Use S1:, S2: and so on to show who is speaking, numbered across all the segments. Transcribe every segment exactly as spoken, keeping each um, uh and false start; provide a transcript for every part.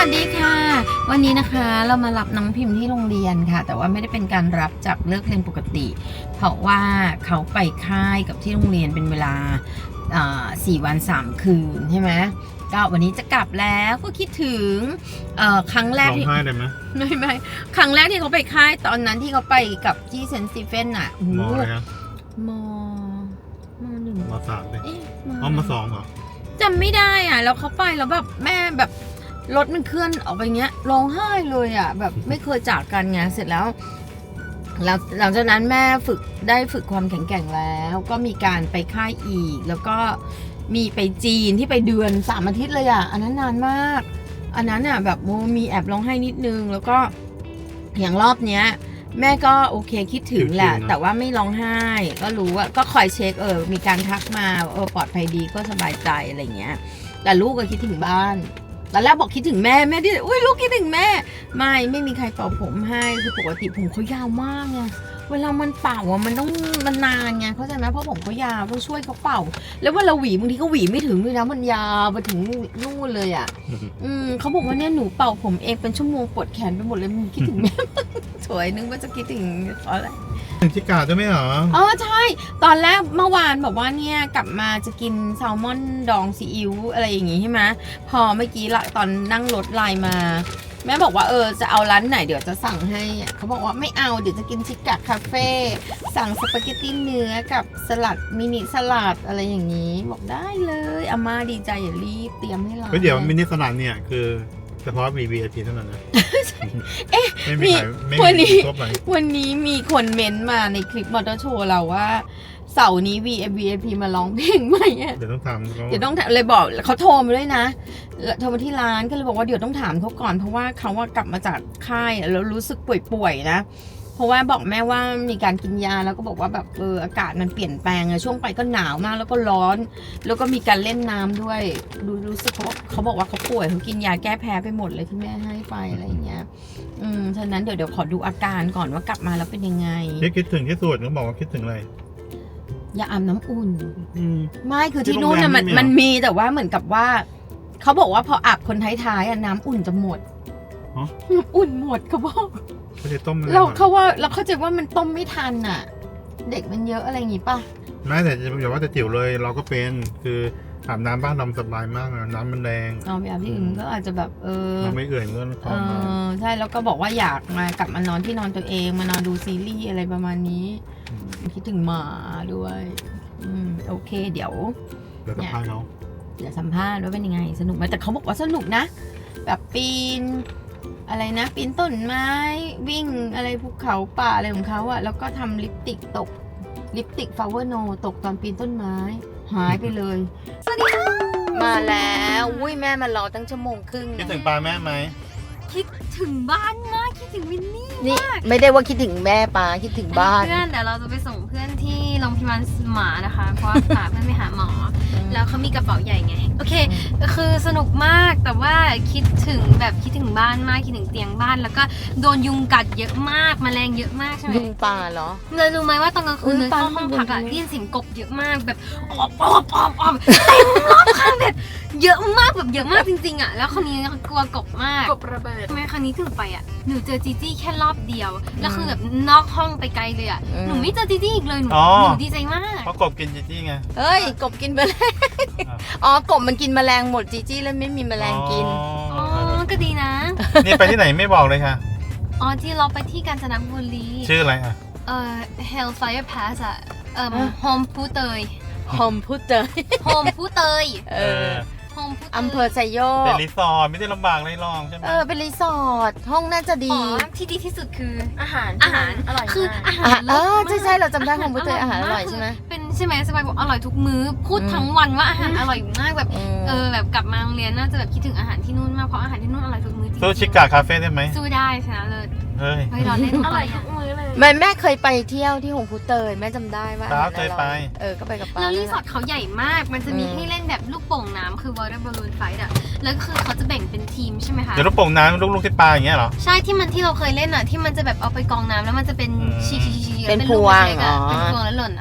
S1: วัสดีค่ะวันนี้นะคะเรามารับน้องพิมพ์ที่โรงเรียนค่ะแต่ว่าไม่ได้เป็นการรับจากเลิกเรียนปกติเพราะว่าเขาไปค่ายกับที่โรงเรียนเป็นเวลาสี่วันสามคืนใช่ไหมก็วันนี้จะกลับแล้วก็คิดถึงครั้งแรกที่ร้องไห้เลยไหมไม่ไม่ครั้งแรกที่เขาไปค่ายตอนนั้นที่เขาไปกับที่เซนต์สตีเฟนอ่ะ
S2: มออะไรครับ
S1: มมหนึ่ง
S2: มสามเลยอ๋อมสองเหรอ
S1: จำไม่ได้อ่ะแล้วเขาไปแล้วแบบแม่แบบรถมันเคลื่อนออกไปเงี้ยร้องไห้เลยอ่ะแบบไม่เคยจากกันไงเสร็จแล้วแล้วหลังจากนั้นแม่ฝึกได้ฝึกความแข็งแกร่งแล้วก็มีการไปค่ายอีกแล้วก็มีไปจีนที่ไปเดือนสามอาทิตย์เลยอ่ะอันนั้นนานมากอันนั้นอ่ะแบบโมมีแอบร้องไห้นิดนึงแล้วก็อย่างรอบเนี้ยแม่ก็โอเคคิดถึงแหละแต่ว่าไม่ร้องไห้ก็รู้ว่าก็คอยเช็คเออมีการทักมาเออปลอดภัยดีก็สบายใจอะไรเงี้ยแต่ลูกก็คิดถึงบ้านตอนแรกบอกคิดถึงแม่แม่ที่อุ้ยลูกคิดถึงแม่ไม่ไม่มีใครเป่าผมให้คือปกติผมเขายาวมากไงเวลามันเป่าอ่ะมันต้องมันนานไงเข้าใจไหมเพราะผมเขายาวต้องช่วยเขาเป่าแล้วเวลาหวีบางทีเขาหวีไม่ถึงด้วยนะมันยาวไปถึงนู่นเลยอ่ะอืมเขาบอกว่าเนี่ยหนูเป่าผมเองเป็นชั่วโมงปวดแขนไปหมดเลยมึงคิดถึงแม่สวยนึกว่าจะคิดถึงเพราะอะไร
S2: ถึงชิกาด้วยไหมเหรอ
S1: อ๋อใช่ตอนแรกเมื่อวานบอกว่าเนี่ยกลับมาจะกินแซลมอนดองซีอิ๊วอะไรอย่างงี้ใช่ไหมพอเมื่อกี้ละตอนนั่งรถไลน์มาแม่บอกว่าเออจะเอาร้านไหนเดี๋ยวจะสั่งให้เขาบอกว่าไม่เอาเดี๋ยวจะกินชิกาคาเฟ่สั่งสปาเกตตี้เนื้อกับสลัดมินิสลัดอะไรอย่างนี้บอกได้เลยอาม่าดีใจอย่ารีบเตรียมให้เรา
S2: เดี๋ยวมินิสลัดเนี่ยคือเฉพาะ วี วี ไอ พี เท่านั้นนะ
S1: เอ๊ะ
S2: ไม่มี
S1: วันนี้วันนี้มีคนเม้นมาในคลิปมอเตอร์โชว์เราว่าเสาร์นี้ วี วี ไอ พี มาร้องเพลงไหม
S2: เดี๋ยวต้องถาม
S1: เดี๋ยวต้องเลยบอกเขาโทรมาด้วยนะโทรมาที่ร้านก็เลยบอกว่าเดี๋ยวต้องถามเขาก่อนเพราะว่าเขาว่ากลับมาจากค่ายแล้วรู้สึกป่วยๆนะเพราะว่าบอกแม่ว่ามีการกินยาแล้วก็บอกว่าแบบเอออากาศมันเปลี่ยนแปลงอะช่วงไปก็หนาวมากแล้วก็ร้อนแล้วก็มีการเล่นน้ำด้วยรู้รู้สึกเขาเขาบอกว่าเขาป่วยเขากินยาแก้แพ้ไปหมดเลยที่แม่ให้ไปอะไรอย่างเงี้ยอืมฉะนั้นเดี๋ยวเดี๋ยวขอดูอาการก่อนว่ากลับมาแล้วเป็นยังไง
S2: คิดถึงที่สุดเขาบอกว่าคิดถึงอะไร
S1: อย่าอาบน้ำอุ่นไม่คือที่นู่นน่ะมันมันมีแต่ว่าเหมือนกับว่าเขาบอกว่าพออาบคนท้ายๆอ่ะน้ำอุ่นจะหมดอุ่นหมดเขาบอก
S2: เขาจะต้ม
S1: เราเขาว่าเราเข้าใจว่ามันต้มไม่ทันอ่ะเด็กมันเยอะอะไรอย่างงี้ป่ะ
S2: ไม่แต่อย่าว่าแต่จิ๋วเลยเราก็เป็นคืออาบน้ำบ้านเราสบายมากนะน้ำมันแรง
S1: อ๋อไปอาบที่อื่นก็อาจจะแบบเออ
S2: เราไม่เอื่อยเงิน
S1: เออใช่แล้วก็บอกว่าอยากมากลับมานอนที่นอนตัวเองมานอนดูซีรีส์อะไรประมาณนี้คิดถึงหมาด้วยอืมโอเคเดี๋ยว
S2: เดี๋ยวสัมภาษณ์เขา
S1: เดี๋ยวสัมภาษณ์ว่าเป็นยังไงสนุกไหมแต่เขาบอกว่าสนุกนะแบบปีนอะไรนะปีนต้นไม้วิ่งอะไรภูเขาป่าอะไรของเขาอะแล้วก็ทำลิปติกตกลิปติกฟลาวเวอร์โนตกตอนปีนต้นไม้หายไปเลยสวัสดีค่ะมาแล้วอุ้ยแม่มารอตั้งชั่วโมงครึ่ง
S2: คิดถึงปลาแม่ไหม
S3: คิดถึงบ้านมากคิดถึงวินนี่
S1: นี่ไม่ได้ว่าคิดถึงแม่ปลาคิดถึงบ้าน
S3: เพื่อนเดี๋ยวเราจะไปส่งเพื่อนที่โรงพยาบาลหมานะคะเพราะว่าพาเพื่อนไปหาหมอแล้วเขามีกระเป๋าใหญ่ไงโอเคคือสนุกมากแต่ว่าคิดถึงแบบคิดถึงบ้านมากคิดถึงเตียงบ้านแล้วก็โดนยุงกัดเยอะมากแมลงเยอะมากใช่ไหม
S1: ยุงปลาเหรอ
S3: เลยรู้ไหมว่าตอนกลางคืนเข้าห้องพักอะได้ยินเสียงกบเยอะมากแบบออบออบออบออบเต็มรอบข้างแบบเยอะมากแบบเยอะมากจริงๆอะแล้วคนนี้กลัวกบมาก
S1: กบระเบิด
S3: ทำไมครั้งนี้ถึงไปอะหนูเจอจีจี้แค่รอบเดียวแล้วคือแบบนอกห้องไปไกลเลยอะหนูไม่เจอจีจี้อีกเลยหนูหนูดีใจมาก
S2: เพราะกบกินจีจี้ไง
S1: เอ้ยกบกินแมลงอ๋อกบมันกินแมลงหมดจีจี้แล้วไม่มีแมลงกิน
S3: อ๋อก็ดีนะ
S2: นี่ไปที่ไหนไม่บอกเลยค่ะ
S3: อ๋อที่เราไปที่กาญจนบุรี
S2: ชื่ออะไรอ่ะ
S3: เอ่อ Hellfire Pass อะเอ่อโฮมพูเตย
S1: โฮมพูเตย
S3: โฮมพูเตย
S1: เอออำเภอไซโยก
S2: เป็นรีสอร์ทไม่ได้ลำบากเลยลองใช่ไหม
S1: เออเป็นรีสอร์ทห้องน่าจะดี
S3: ที่ดีที่สุดคือ
S1: อาหาร
S3: อาหารอร่อยคืออาหาร
S1: เออใช่ใช่เราจำได้ของพุทธอาหารอร่อยใช่ไหม
S3: เป็นใช่ไหมสบายบอกอร่อยทุกมื้อพูดทั้งวันว่าอาหารอร่อยมากแบบเออแบบกลับมาโรงเรียนน่าจะแบบคิดถึงอาหารที่นู่นมากเพราะอาหารที่นู่นอร่อยทุกมื้อจริง
S2: สู้ชิกาคาเฟ่ได้ไหม
S3: สู้ได้ชนะเลย
S2: เฮ้ย
S3: เฮ้ยเราเล่นอร่อยทุกมื้อเลย
S1: แม่แม่เคยไปเที่ยวที่หงพูเตยแม่จำได้ว่า
S2: เคยไป
S1: เออก็ไปกับป้า
S3: แล้วรีสอร์ทเขาใหญ่มากมันจะมีให้เล่นแบบลูกโป่งน้ำคือ water balloon fight อะแล้วคือเขาจะแบ่งเป็นทีมใช่ไหมคะ
S2: เดี๋ยวลูกโป่งน้ำลูกๆที่ปลาอย่างเงี้ยเหรอ
S3: ใช่ที่มันที่เราเคยเล่นอะที่มันจะแบบเอาไปกองน้ำแล้วมันจะเป็นชีชีชี
S1: เป็นพวง
S3: อะเป็นพวงแล้วหล่นอะ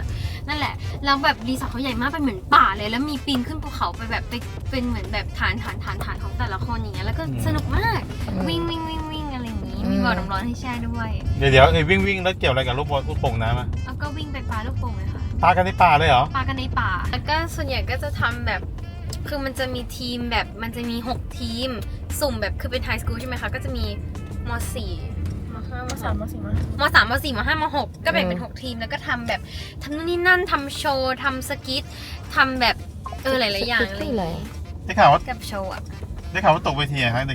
S3: นั่นแหละแล้วแบบรีสอร์ทเขาใหญ่มากเป็นเหมือนป่าเลยแล้วมีปีนขึ้นภูเขาไปแบบไปเป็นเหมือนแบบฐานฐานฐานฐานของแต่ละคนอย่างเงี้ยแล้วก็สนุกมากวิ่งวิ่งวิ่งวิ่งอะไรอย่างงี้มีบ่อน้ำร้อนให้แช่ด้วย
S2: เดี๋ยวเดี๋ยวไอ้วิ่งวิ่งแล้วเกี่ยวอะไรกับลูกบอลลูกโป่งน้ำอ่ะ
S3: แล้วก็วิ่งไปปลาลูกโป่งเลยค่ะ
S2: ปลากันในป่าเลยเหรอ
S3: ปลากันในป่าแล้วก็ส่วนใหญ่ก็จะทำแบบคือมันจะมีทีมแบบมันจะมีหกทีมสุ่มแบบคือเป็นไฮสคูลใช่ไหมคะก็จะมีมสี่มห้ามสามมสี่มมสามมสี่มห้ามหกก็แบ่งเป็นหกทีมแล้วก็ทำแบบทำนู่นนี่นั่นทำโชว์ทำสกิททำแบบเออหลายๆอย่างอะไรอย่างงี้
S2: ได้ข่าวว่า
S3: กับโชว์อะ
S2: ได้ข่าวว่าตกเวทีอะฮะเด็ก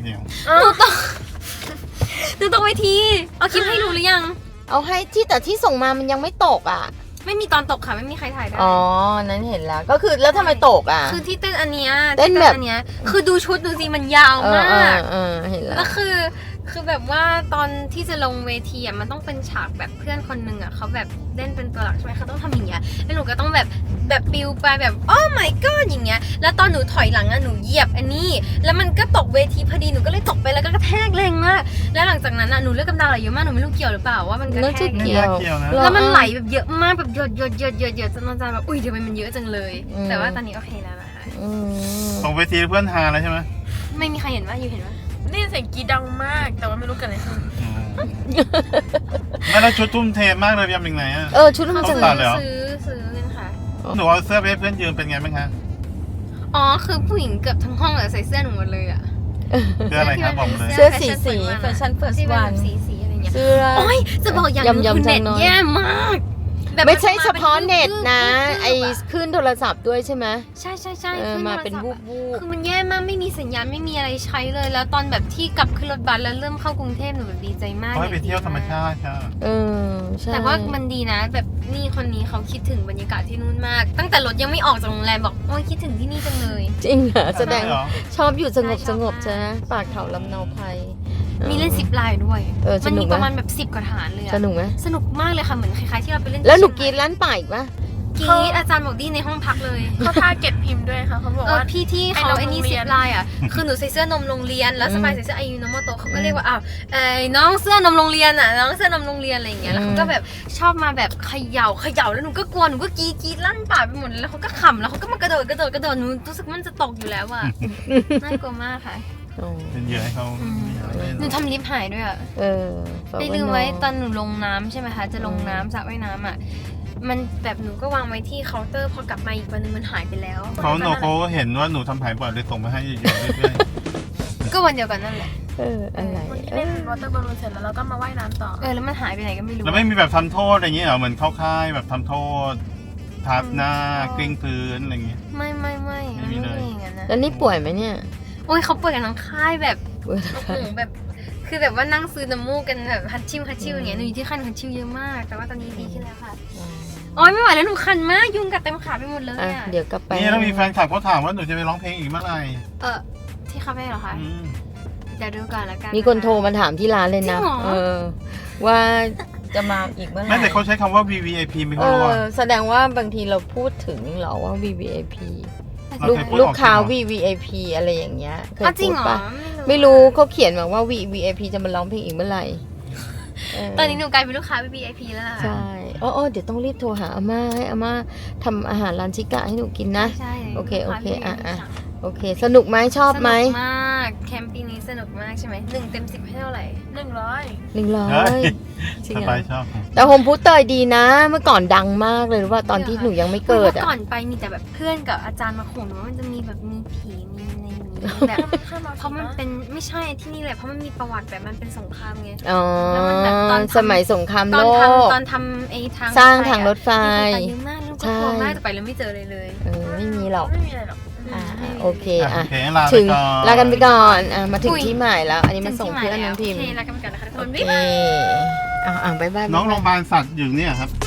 S3: ดูตรงเวทีเอาคลิปให้ดูหรือยัง
S1: เอาให้ที่แต่ที่ส่งมามันยังไม่ตกอ่ะ
S3: ไม่มีตอนตกค่ะไม่มีใครถ่ายได้
S1: อ๋อ นั้นเห็นแล้ว ก็คือแล้วทำไมตกอ่ะ
S3: คือที่เต้นอันเนี้ย
S1: เต้น
S3: ที่
S1: แบบ
S3: อันเนี้ยคือดูชุดดูสิมันยาว
S1: เออ
S3: มา
S1: เออก เออเห็นแล้ว
S3: แล้วคือคือแบบว่าตอนที่จะลงเวทีอ่ะมันต้องเป็นฉากแบบเพื่อนคนหนึ่งอ่ะเขาแบบเล่นเป็นตัวหลักใช่ไหมเขาต้องทำอย่างเงี้ยแล้วหนูก็ต้องแบบแบบปิวไปแบบโอ้ my god อย่างเงี้ยแล้วตอนหนูถอยหลังอ่ะหนูเหยียบอันนี้ แล้วมันก็ตกเวทีพอดีหนูก็เลยตกไปแล้วก็กระแทกแรงมากแล้วหลังจากนั้นอ่ะหนูเลือดกำเดาไหลเยอะมากหนูไม่รู้เกี่ยวหรือเปล่าว่ามันกระ
S1: น่า
S3: แท
S1: จะ
S3: ก
S2: ๆไม่
S1: เกี่ยว
S2: น่าเกี่ยวนะ
S3: แล้วมันไหลแบบเยอะมากแบบหยดหยดหยดหยดหยดจนอาจารย์แบบอุ้ยทำไมมันเยอะจังเลย
S1: อืม
S3: แต่ว่าตอนนี้โอเคแล้วนะคะ
S1: อืม
S2: ตกเวทีเพื่อนฮาแล้วใช่ไหม
S3: ไม่มีใครเห็นว่าอยู่เห็นว่า
S4: นี่เสียงกรีดดังมาก แต่ว่าไม่รู้เกันอะไรขึ้น
S2: อืมไม่แล้วชุดทุ่มเทมากเลยยำยังไงอ่ะ
S1: เออชุดมัน
S2: ต้
S1: จะ
S2: องตัดเลยเหรอ
S3: ซื้อซื้อกันค่ะ
S2: หนูเอาเสื้อไปให้เพื่อนยืมเป็นไงบ้างคะ
S3: อ๋อคือผู้หญิงเกือบทั้งห้องอะใส่เสื้อหนูหมดเลยอะ
S2: เสื้ออะไรครับบอกมาเลย
S1: เสื้อสีสีแฟชั่นเฟิร์ส
S3: ที่เป็น
S1: วั
S3: แบ
S1: น
S3: บสีสีอะไรเงี้ย
S1: เสื้อ
S3: โอ้ยจะบอกอย่างหนึง
S1: ยำๆ
S3: คือเน็ต
S1: จังน้อย
S3: แย่มากแบบ
S1: ไม่ใช่เฉพาะ
S3: มั
S1: เน็ตนะ
S3: บึ้บ
S1: ไอ้คลื่นโทรศัพท์ด้วยใช่ไหม
S3: ใช่ใช่ใช่
S1: เออ
S3: ขึ้
S1: มา
S3: โทรศัพท์
S1: เป็นวูบวูบ
S3: คือมันแย่มากไม่มีสัญญาณไม่มีอะไรใช้เลย แล้วตอนแบบที่กลับขึ้นรถบัสแล้วเริ่มเข้ากรุงเทพหนูแบบดีใจมาก
S2: เขาให้ไปเที่ยวธรรมชาติค่ะ
S1: เออใช่
S3: แต่ว่ามันดีนะ แบบนี่คนนี้เขาคิดถึงบรรยากาศที่นู่นมาก ตั้งแต่รถยังไม่ออกจากโรงแรมบอกโอ้ยคิดถึงที่นี่จังเลย
S1: จริงเหรอแสดง
S2: เหรอ
S1: ชอบอยู่สงบ
S3: ใช่ช
S1: ส
S3: อบ
S1: งบ
S3: มาก
S1: ใช่ไหมปากเขาลำเนาภัย
S3: มีเล่นสิบลายด้วย
S1: เออส
S3: มัน
S1: นุ
S3: มี
S1: กไหม
S3: ประมาณแบบสิบกว่าฐานเลยอะ
S1: สนุกไหม
S3: สนุกมากเลยค่ะเหมือนคล้ายๆที่เราไปเล่น
S1: แล้วหนูก
S3: ที่
S1: รี
S3: เชียงใหม่
S1: ดร้านป่าอีกปะ
S3: กรีดอาจารย์บอกดีในห้องพักเลย
S4: เขาท่าเก็ตพิมพ์ด้วยค่ะเขาบอก
S3: เออ
S4: ว่า
S3: พี่ที่เขา
S4: ไอ้
S3: ไอ้
S4: นม
S3: นี่
S4: โรงเรี
S3: สิ
S4: ย
S3: บ
S4: น
S3: ลายอ่ะ คือหนูใส่เสื้อนมโรงเรียน แล้ว
S1: อืม
S3: สปายใส่เสื้อไอยูโนโมโตเขาก็เรียกว่าอ้าวไอ้น้องเสื้อนมโรงเรียนอ่ะน้องเสื้อนมโรงเรียนอะไรอย่างเงี้ยแล้วเขาก็แบบชอบมาแบบเขย่าเขย่าแล้วหนูก็กลัวหนูก็กรีดกรีดลั่นป่าไปหมดเลยแล้วเขาก็ขำแล้วเขาก็มากระโดดกระโดดกระโดดหนูรู้สึกมันจะตกอยู่แล้วอ่ะน่ากลัวมากค่ะ
S1: โอ้
S2: เป็นเหยื่อให้เขาไม่อยากเล่น
S3: หนูทำลิฟต์หายด้วยอ่ะ
S1: เออฝาก
S3: ได้
S1: ว้
S3: ลืมไว้
S1: น้อง
S3: ตอนหนูลงน้ำใช่ไหมคะจะลงน้ำสระว่ายน้ำอ่ะมันแบบหนูก็วางไว้ที่เคาน์เตอร์พอกลับมาอีกวันนึงมันหายไปแล้ว
S2: เขาโนโคก็เห็นว่าหนูทำหายบ่อยเลยส่งมาให้อยู่ๆเรื่อย
S3: ก็วันเดียวกันนั่นแหละ
S1: เอออะไร
S4: วันที่
S1: เอ
S4: เล่น
S1: อ
S4: วอเตอร์บอลลูนเสร็จแล้วเราก็มาว่ายน้ำต่อ
S3: เออแล้วมันหายไปไหนก็ไม่
S2: ๆ
S3: รู้
S2: แล้วไม่มีแบบทำโทษอะไรอย่างเงี้ยเหรอเหมือนเข้าค่ายแบบทำโทษทับหน้ากลิ้งพื้นอะไรอย่างเงี้ย
S3: ไม่ไม่ไม่
S2: ไม่มีเลย
S3: ไม่อย่างนั้นนะ
S1: แล้วนี่ป่วยไหมเนี่ย
S3: โอ้ยเขาเปิดกันทั้งค่ายแบบ
S1: ป่วย
S3: โอ้โหแบบ คือแบบว่านั่งซื้อน้ำมูกกันแบบฮัตชิวฮัตชิวอย่างเงี้ยหนูอยู่ที่ค่ายหนูฮัตชิวเยอะมาก แต่ว่าตอนนี้ดีขึ้นแล้วค่ะโอ้ยไม่ไหวแล้วหนูคันมากยุงกัดเต็มขาไปหมดเลย
S1: อ่ะ
S3: อ่ะ
S1: เดี๋ยวกลับไป
S2: นี่แล้วมีแฟนคลับเขาถามว่าหนูจะไปร้องเพลงอีกเมื่อไหร่
S3: เออที่คาเฟ่เหรอคะ
S2: อืม
S3: เดี๋ยวดูก่อนละกัน
S1: มีคนโทรมาถามที่ร้านเลยนะ
S3: จริงเหรอ
S1: เออ ว่าจะมาอีกเมื่อไหร่
S2: ไม่แต่เขาใช้คำว่า วี วี ไอ พี ไม่
S1: เอ
S2: เขารู้ว่า
S1: อแสดงว่าบางทีเราพูดถึงเหรอว่า วี วี ไอ พี
S2: เรา
S1: ลูก
S2: เคยพูด
S1: ลูกค้า
S2: ออก
S1: วี วี ไอ พี อะไรอย่างเงี้ยเคย
S3: อ๋อจริ
S1: พู
S3: ง
S1: ด
S3: เหรอ
S1: ปะไม่รู้เขาเขียนมาว่า วี วี ไอ พี จะมาร้องเพลงอีกเมื่อไหร่เ
S3: ตอนนี้หนูกลายเป็นลูกค้า วี ไอ พี แล้วล่ะ
S1: ใช่อ๋ออ๋อเดี๋ยวต้องรีบโทรหาอาม่าให้อาม่าทำอาหารร้านชิกะให้หนูกินนะ
S3: ใช่
S1: โอเคโอเค
S3: ลูกา
S1: อ่ะอ่ะ
S3: วี ไอ พี
S1: โอเค สนุกไหมชอบไหม
S3: สนุกมากแคมป์ปีนี้สนุกมากใช่ไหมหนึ่งเต็มสิบให้เท่าไหร่
S4: หนึ่งร้อย
S1: หนึ่งร้อ
S2: เฮ้
S1: ย
S2: ย
S1: จริง
S2: ส
S1: เหร
S2: บา
S1: อย
S2: ชอบ
S1: แต่โฮมพูดเตยดีนะ เมื่อก่อนดังมากเลยรู้ว่าตอนที่หนูยังไม่เกิด
S3: มื่
S1: อ่ะ
S3: อก่อนไปมีแต่แบบเพื่อนกับอาจารย์มาขู่หนูว่ามันจะมีแบบมีผีมีอะไรอย่างนี้แบบ
S4: มันแค่มา
S3: เพราะมันเป็นไม่ใช่ที่นี่แหละเพราะมันมีประวัติแบบมันเป็นสงครามไง
S1: อ๋อ
S3: แล้วมันแบบตอนทำ
S1: สมัยสงคราม
S3: ตอ
S1: โล
S3: น
S1: ก
S3: ทำตอนทำไอ้ทาง
S1: สร้างทางรถไฟ
S3: มีคนตายเยอะมากแล้วก็กลัวมากแต่ไปแล้วไม่เจอเลยเลย
S1: เออไม่มีหรอก
S4: ไม่มีอะไรหรอก
S1: อ่าโอเค
S2: อ่ะ
S1: อ่ะ
S2: โอเคลาไป
S1: ถึง
S2: ก่อน
S1: ลากันไปก่อนอ่ะมาถึง
S3: อุ๊ย
S1: ที่หมายแล้ว อันนี้มาส่งเพื่อนน้องพิมพ์
S3: โอเคลากันไปก่อนนะคะทุกค
S1: โอน เคอ่ะอ่ะบ๊ายบาย
S2: น้องโร
S1: บ๊าย
S2: งพ
S1: บาย
S2: ยาบาลสัตว์อยู่เนี่ยครับ